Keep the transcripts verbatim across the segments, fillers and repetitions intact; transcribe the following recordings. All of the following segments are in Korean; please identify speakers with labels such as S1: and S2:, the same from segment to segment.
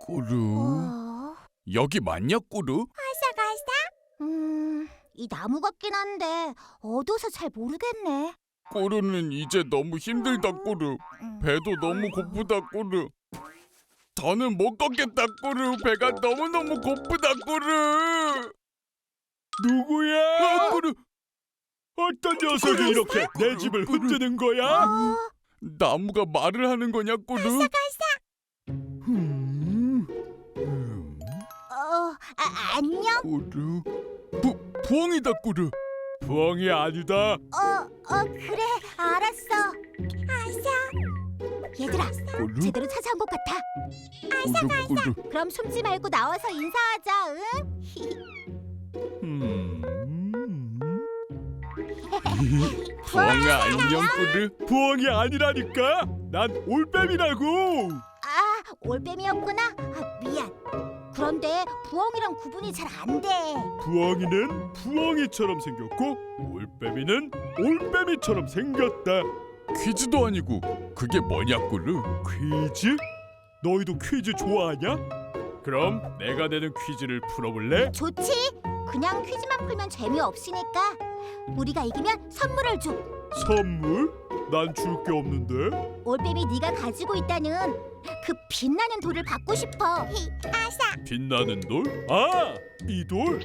S1: 꾸루,
S2: 어?
S1: 여기 맞냐, 꾸루?
S2: 아삭아삭? 음, 이 나무 같긴 한데 어두워서 잘 모르겠네.
S1: 꾸루는 이제 너무 힘들다, 꾸루.
S2: 음.
S1: 배도 너무 고프다, 꾸루. 더는 못 걷겠다, 꾸루. 배가 너무너무 고프다, 꾸루.
S3: 누구야?
S1: 아, 꾸루.
S3: 어떤 녀석이 이렇게 내 집을 흔드는 거야?
S2: 어,
S1: 나무가 말을 하는 거냐, 꾸루? 음, 음,
S2: 어, 아, 안녕?
S1: 꾸루. 부, 부엉이다, 꾸루.
S3: 부엉이 아니다.
S2: 어, 어, 그래, 알았어. 아삭. 얘들아,
S1: 꾸루,
S2: 제대로 찾아온 것 같아.
S1: 꾸루, 꾸루.
S2: 그럼 숨지 말고 나와서 인사하자, 응?
S3: 음.
S1: 부엉아, 안녕, 꾸루.
S3: 부엉이 아니라니까. 난 올빼미라고.
S2: 아, 올빼미였구나. 아, 미안. 그런데 부엉이랑 구분이 잘 안 돼.
S3: 부엉이는 부엉이처럼 생겼고 올빼미는 올빼미처럼 생겼다.
S1: 퀴즈도 아니고 그게 뭐냐, 꾸루?
S3: 퀴즈? 너희도 퀴즈 좋아하냐? 그럼 내가 내는 퀴즈를 풀어볼래?
S2: 좋지? 그냥 퀴즈만 풀면 재미없으니까 우리가 이기면 선물을 줘.
S3: 선물? 난 줄 게 없는데.
S2: 올빼미 네가 가지고 있다는 그 빛나는 돌을 받고 싶어. 아싸.
S3: 빛나는 돌? 아, 이 돌?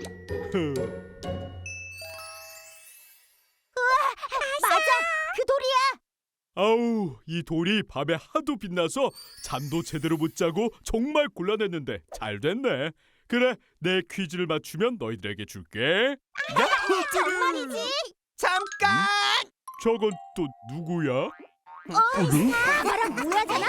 S2: 맞아. 그 돌이야.
S3: 아우, 이 돌이 밤에 하도 빛나서 잠도 제대로 못 자고 정말 곤란했는데 잘 됐네. 그래, 내 퀴즈를 맞추면 너희들에게 줄게.
S2: 정말이지?
S4: 잠깐!
S3: 저건 또 누구야?
S1: 꾸루?
S2: 바바랑 모야잖아.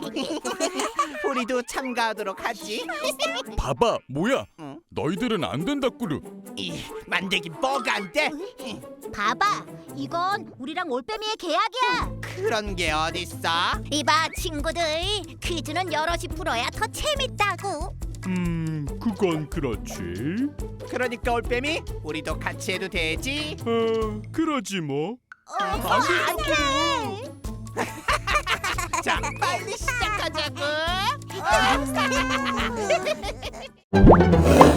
S4: 우리도 참가하도록 하지.
S1: 봐봐, 뭐야?
S4: 응?
S1: 너희들은 안 된다, 꾸루.
S4: 이 만들기 뭐가 안 돼?
S2: 봐봐. 이건 우리랑 올빼미의 계약이야.
S4: 그런 게 어딨어?
S2: 이봐 친구들, 퀴즈는 여럿이 풀어야 더 재밌다고.
S3: 음, 그건 그렇지.
S4: 그러니까 올빼미, 우리도 같이 해도 되지?
S3: 어, 그러지 뭐.
S2: 어, 안돼.
S4: 자, 빨리 시작하자고.
S2: 어.